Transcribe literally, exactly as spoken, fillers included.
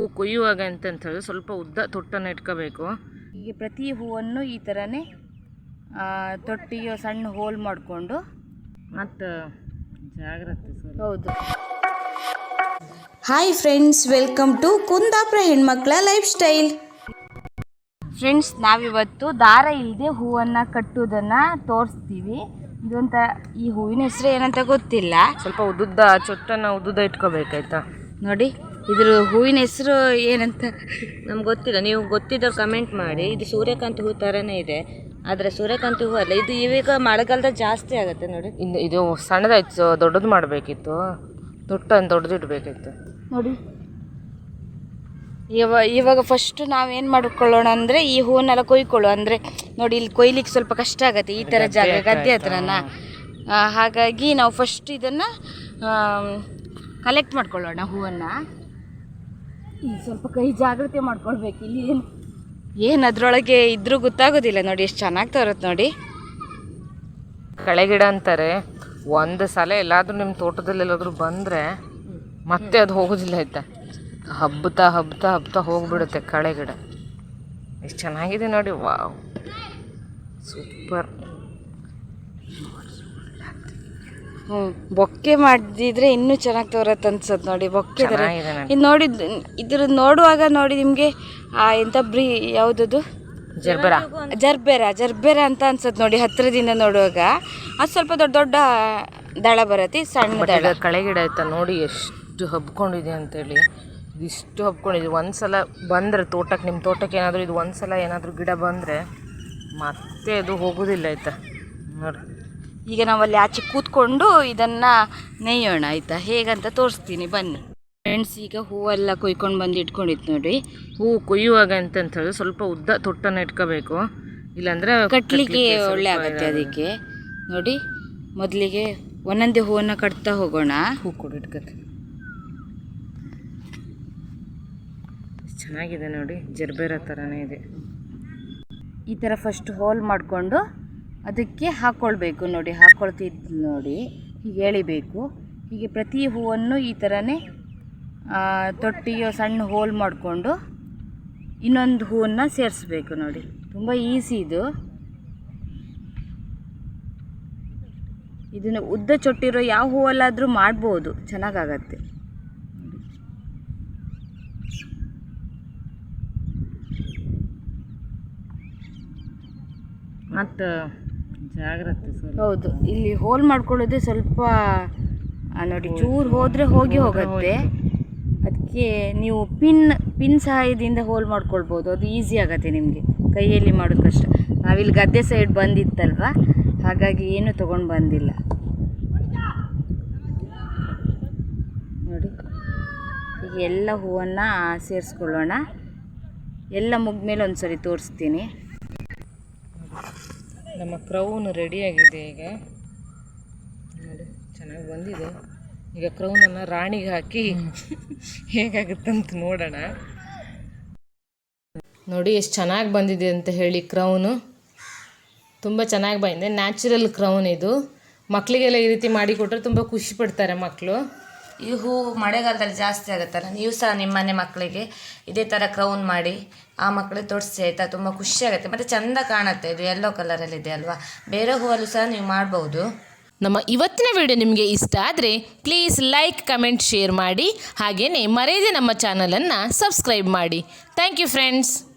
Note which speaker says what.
Speaker 1: ಕೊಯ್ಯುವಾಗ ಅಂತ ಹೇಳಿದ್ರೆ ಸ್ವಲ್ಪ ಉದ್ದ ತೊಟ್ಟನ್ನು ಇಟ್ಕೋಬೇಕು.
Speaker 2: ಹೀಗೆ ಪ್ರತಿ ಹೂವನ್ನು ಈ ಥರನೇ ತೊಟ್ಟಿಗೆ ಸಣ್ಣ ಹೋಲ್ ಮಾಡಿಕೊಂಡು
Speaker 1: ಮತ್ತು ಜಾಗ್ರತೆ ಸರ್.
Speaker 2: ಹೌದು.
Speaker 3: Hi friends, welcome to Kundapura ಹೆಣ್ಮಕ್ಳ ಲೈಫ್ ಸ್ಟೈಲ್.
Speaker 2: ಫ್ರೆಂಡ್ಸ್, ನಾವಿವತ್ತು ದಾರ ಇಲ್ಲದೆ ಹೂವನ್ನು ಕಟ್ಟುವುದನ್ನು ತೋರಿಸ್ತೀವಿ. ಇದೊಂಥ ಈ ಹೂವಿನ ಹೆಸರು ಏನಂತ ಗೊತ್ತಿಲ್ಲ.
Speaker 1: ಸ್ವಲ್ಪ ಉದ್ದುದ್ದ ಚೊಟ್ಟನ್ನು ಉದ್ದುದ್ದ ಇಟ್ಕೋಬೇಕಾಯ್ತಾ.
Speaker 2: ನೋಡಿ, ಇದ್ರ ಹೂವಿನ ಹೆಸರು ಏನಂತ
Speaker 1: ನಮ್ಗೆ ಗೊತ್ತಿಲ್ಲ. ನೀವು ಗೊತ್ತಿದ್ದವ್ರು ಕಮೆಂಟ್ ಮಾಡಿ. ಇದು ಸೂರ್ಯಕಾಂತಿ ಹೂ ಥರನೇ ಇದೆ, ಆದರೆ ಸೂರ್ಯಕಾಂತಿ ಹೂ ಅಲ್ಲ ಇದು. ಇವಾಗ ಮಳೆಗಾಲದಲ್ಲಿ ಜಾಸ್ತಿ ಆಗುತ್ತೆ ನೋಡಿ. ಇನ್ನು ಇದು ಸಣ್ಣದಾಯ್ತು, ದೊಡ್ಡದು ಮಾಡಬೇಕಿತ್ತು. ತೊಟ್ಟನ್ನು ದೊಡ್ಡದು ಇಡಬೇಕಿತ್ತು
Speaker 2: ನೋಡಿ. ಇವಾಗ ಇವಾಗ ಫಸ್ಟು ನಾವೇನು ಮಾಡ್ಕೊಳ್ಳೋಣ ಅಂದರೆ ಈ ಹೂವನ್ನೆಲ್ಲ ಕೊಯ್ಕೊಳ್ಳೋ ಅಂದರೆ ನೋಡಿ, ಇಲ್ಲಿ ಕೊಯ್ಲಿಕ್ಕೆ ಸ್ವಲ್ಪ ಕಷ್ಟ ಆಗುತ್ತೆ ಈ ಥರ ಜಾಗ, ಗದ್ದೆ ಹತ್ರನ. ಹಾಗಾಗಿ ನಾವು ಫಸ್ಟ್ ಇದನ್ನು ಕಲೆಕ್ಟ್ ಮಾಡ್ಕೊಳ್ಳೋಣ ಹೂವನ್ನು. ಈಗ ಸ್ವಲ್ಪ ಕೈ ಜಾಗ್ರತೆ ಮಾಡ್ಕೊಳ್ಬೇಕು. ಇಲ್ಲಿ ಏನು ಏನು ಅದರೊಳಗೆ ಇದ್ರೂ ಗೊತ್ತಾಗೋದಿಲ್ಲ. ನೋಡಿ ಎಷ್ಟು ಚೆನ್ನಾಗಿ ತರುತ್ತೆ ನೋಡಿ.
Speaker 1: ಕಳೆಗಿಡ ಅಂತಾರೆ. ಒಂದು ಸಲ ಎಲ್ಲಾದರೂ ನಿಮ್ಮ ತೋಟದಲ್ಲಿ ಎಲ್ಲಾದರೂ ಬಂದರೆ ಮತ್ತೆ ಅದು ಹೋಗೋದಿಲ್ಲ ಆಯ್ತಾ. ಹಬ್ಬತಾ ಹಬ್ಬತಾ ಹಬ್ಬತಾ ಹೋಗ್ಬಿಡುತ್ತೆ ಕಳೆಗಿಡ. ಎಷ್ಟು ಚೆನ್ನಾಗಿದೆ ನೋಡಿ. Wow, super.
Speaker 2: ಹ್ಞೂ, ಬೊಕ್ಕೆ ಮಾಡಿದ್ರೆ ಇನ್ನೂ ಚೆನ್ನಾಗಿ ತೋರತ್ತೆ ಅನ್ಸತ್ತೆ ನೋಡಿ. ಬೊಕ್ಕೆ ಥರ ಇದು ನೋಡಿ. ಇದ್ರ ನೋಡುವಾಗ ನೋಡಿ ನಿಮಗೆ ಎಂಥ ಬ್ರೀ ಯಾವುದದು
Speaker 1: ಜರ್ಬೆರಾ
Speaker 2: ಜರ್ಬೆರಾ ಜರ್ಬೆರಾ ಅಂತ ಅನ್ಸತ್ತೆ ನೋಡಿ. ಹತ್ತಿರದಿಂದ ನೋಡುವಾಗ ಅದು ಸ್ವಲ್ಪ ದೊಡ್ಡ ದೊಡ್ಡ ದಳ ಬರುತ್ತೆ, ಸಣ್ಣ ದಳ.
Speaker 1: ಕಳೆಗಿಡ ಆಯ್ತಾ ನೋಡಿ ಎಷ್ಟು ಹಬ್ಕೊಂಡಿದೆ ಅಂತೇಳಿ. ಇದಿಷ್ಟು ಹಬ್ಕೊಂಡಿದೆ. ಒಂದು ಸಲ ಬಂದರೆ ತೋಟಕ್ಕೆ, ನಿಮ್ಮ ತೋಟಕ್ಕೆ ಏನಾದರೂ ಇದು ಒಂದು ಸಲ ಏನಾದರೂ ಗಿಡ ಬಂದರೆ ಮತ್ತೆ ಅದು ಹೋಗೋದಿಲ್ಲ ಆಯಿತಾ. ನೋಡಿ,
Speaker 2: ಈಗ ನಾವಲ್ಲಿ ಆಚೆ ಕೂತ್ಕೊಂಡು ಇದನ್ನು ನೇಯೋಣ ಆಯಿತಾ. ಹೇಗಂತ ತೋರಿಸ್ತೀನಿ ಬನ್ನಿ ಫ್ರೆಂಡ್ಸ್. ಈಗ ಹೂವೆಲ್ಲ ಕೊಯ್ಕೊಂಡು ಬಂದು ಇಟ್ಕೊಂಡಿತ್ತು ನೋಡಿ.
Speaker 1: ಹೂ ಕೊಯ್ಯುವಾಗ ಅಂತ ಹೇಳಿದ್ರೆ ಸ್ವಲ್ಪ ಉದ್ದ ತೊಟ್ಟನ್ನು ಇಟ್ಕೋಬೇಕು, ಇಲ್ಲಾಂದರೆ
Speaker 2: ಕಟ್ಟಲಿಕ್ಕೆ ಒಳ್ಳೆ ಆಗುತ್ತೆ. ಅದಕ್ಕೆ ನೋಡಿ, ಮೊದಲಿಗೆ ಒಂದೊಂದೇ ಹೂವನ್ನು ಕಟ್ತಾ ಹೋಗೋಣ.
Speaker 1: ಹೂ ಕೊಡು ಇಟ್ಕೊತೀವಿ. ಚೆನ್ನಾಗಿದೆ ನೋಡಿ, ಜರ್ಬೇರ ಥರನೇ ಇದೆ.
Speaker 2: ಈ ಥರ ಫಸ್ಟ್ ಹೋಲ್ ಮಾಡಿಕೊಂಡು ಅದಕ್ಕೆ ಹಾಕ್ಕೊಳ್ಬೇಕು ನೋಡಿ. ಹಾಕ್ಕೊಳ್ತಿದ್ದು ನೋಡಿ, ಹೀಗೆ ಎಳಿಬೇಕು. ಹೀಗೆ ಪ್ರತಿ ಹೂವನ್ನು ಈ ಥರನೇ ತೊಟ್ಟಿಗೆ ಸಣ್ಣ ಹೋಲ್ ಮಾಡಿಕೊಂಡು ಇನ್ನೊಂದು ಹೂವನ್ನು ಸೇರಿಸ್ಬೇಕು ನೋಡಿ. ತುಂಬ ಈಸಿ ಇದು. ಇದನ್ನು ಉದ್ದ ಚೊಟ್ಟಿರೋ ಯಾವ ಹೂವಲ್ಲಾದರೂ ಮಾಡ್ಬೋದು, ಚೆನ್ನಾಗಾಗತ್ತೆ.
Speaker 1: ಮತ್ತು ಜಾಗ್ರತೆ ಸರ್.
Speaker 2: ಹೌದು, ಇಲ್ಲಿ ಹೋಲ್ ಮಾಡ್ಕೊಳ್ಳೋದೇ ಸ್ವಲ್ಪ ನೋಡಿ, ಚೂರು ಹೋದರೆ ಹೋಗಿ ಹೋಗುತ್ತೆ. ಅದಕ್ಕೆ ನೀವು ಪಿನ್ ಪಿನ್ ಸಹಾಯದಿಂದ ಹೋಲ್ ಮಾಡ್ಕೊಳ್ಬೋದು, ಅದು ಈಸಿ ಆಗುತ್ತೆ ನಿಮಗೆ. ಕೈಯಲ್ಲಿ ಮಾಡೋದು ಕಷ್ಟ. ನಾವಿಲ್ಲಿ ಗದ್ದೆ ಸೈಡ್ ಬಂದಿತ್ತಲ್ವ, ಹಾಗಾಗಿ ಏನು ತೊಗೊಂಡು ಬಂದಿಲ್ಲ ನೋಡಿ. ಈಗ ಎಲ್ಲ ಹೂವನ್ನು ಸೇರಿಸ್ಕೊಳ್ಳೋಣ. ಎಲ್ಲ ಮುಗ್ಮೇಲೆ ಒಂದು ಸರಿ ತೋರಿಸ್ತೀನಿ.
Speaker 1: ನಮ್ಮ ಕ್ರೌನ್ ರೆಡಿಯಾಗಿದೆ. ಈಗ ನೋಡಿ, ಚೆನ್ನಾಗಿ ಬಂದಿದೆ. ಈಗ ಕ್ರೌನನ್ನು ರಾಣಿಗೆ ಹಾಕಿ ಹೇಗಾಗುತ್ತಂತ ನೋಡೋಣ. ನೋಡಿ ಎಷ್ಟು ಚೆನ್ನಾಗಿ ಬಂದಿದೆ ಅಂತ ಹೇಳಿ. ಕ್ರೌನು ತುಂಬ ಚೆನ್ನಾಗಿ ಬಂದಿದೆ. ನ್ಯಾಚುರಲ್ ಕ್ರೌನ್ ಇದು. ಮಕ್ಕಳಿಗೆಲ್ಲ ಈ ರೀತಿ ಮಾಡಿ ಕೊಟ್ಟರೆ ತುಂಬ ಖುಷಿ ಪಡ್ತಾರೆ ಮಕ್ಕಳು.
Speaker 2: ಈ ಹೂ ಮಳೆಗಾಲದಲ್ಲಿ ಜಾಸ್ತಿ ಆಗುತ್ತಲ್ಲ, ನೀವು ಸಹ ನಿಮ್ಮ ಮನೆ ಮಕ್ಕಳಿಗೆ ಇದೇ ಥರ ಕ್ರೌನ್ ಮಾಡಿ ಆ ಮಕ್ಕಳಿಗೆ ತೊಡಿಸಿ ಆಯಿತಾ. ತುಂಬ ಖುಷಿ ಆಗುತ್ತೆ ಮತ್ತು ಚೆಂದ ಕಾಣುತ್ತೆ. ಇದು ಯೆಲ್ಲೋ ಕಲರಲ್ಲಿದೆ ಅಲ್ವಾ. ಬೇರೆ ಹೂವಲ್ಲೂ ಸಹ ನೀವು ಮಾಡ್ಬೋದು.
Speaker 4: ನಮ್ಮ ಇವತ್ತಿನ ವಿಡಿಯೋ ನಿಮಗೆ ಇಷ್ಟ ಆದರೆ ಪ್ಲೀಸ್ ಲೈಕ್, ಕಮೆಂಟ್, ಶೇರ್ ಮಾಡಿ. ಹಾಗೆಯೇ ಮರೆಯದೆ ನಮ್ಮ ಚಾನಲನ್ನು ಸಬ್ಸ್ಕ್ರೈಬ್ ಮಾಡಿ. Thank you friends.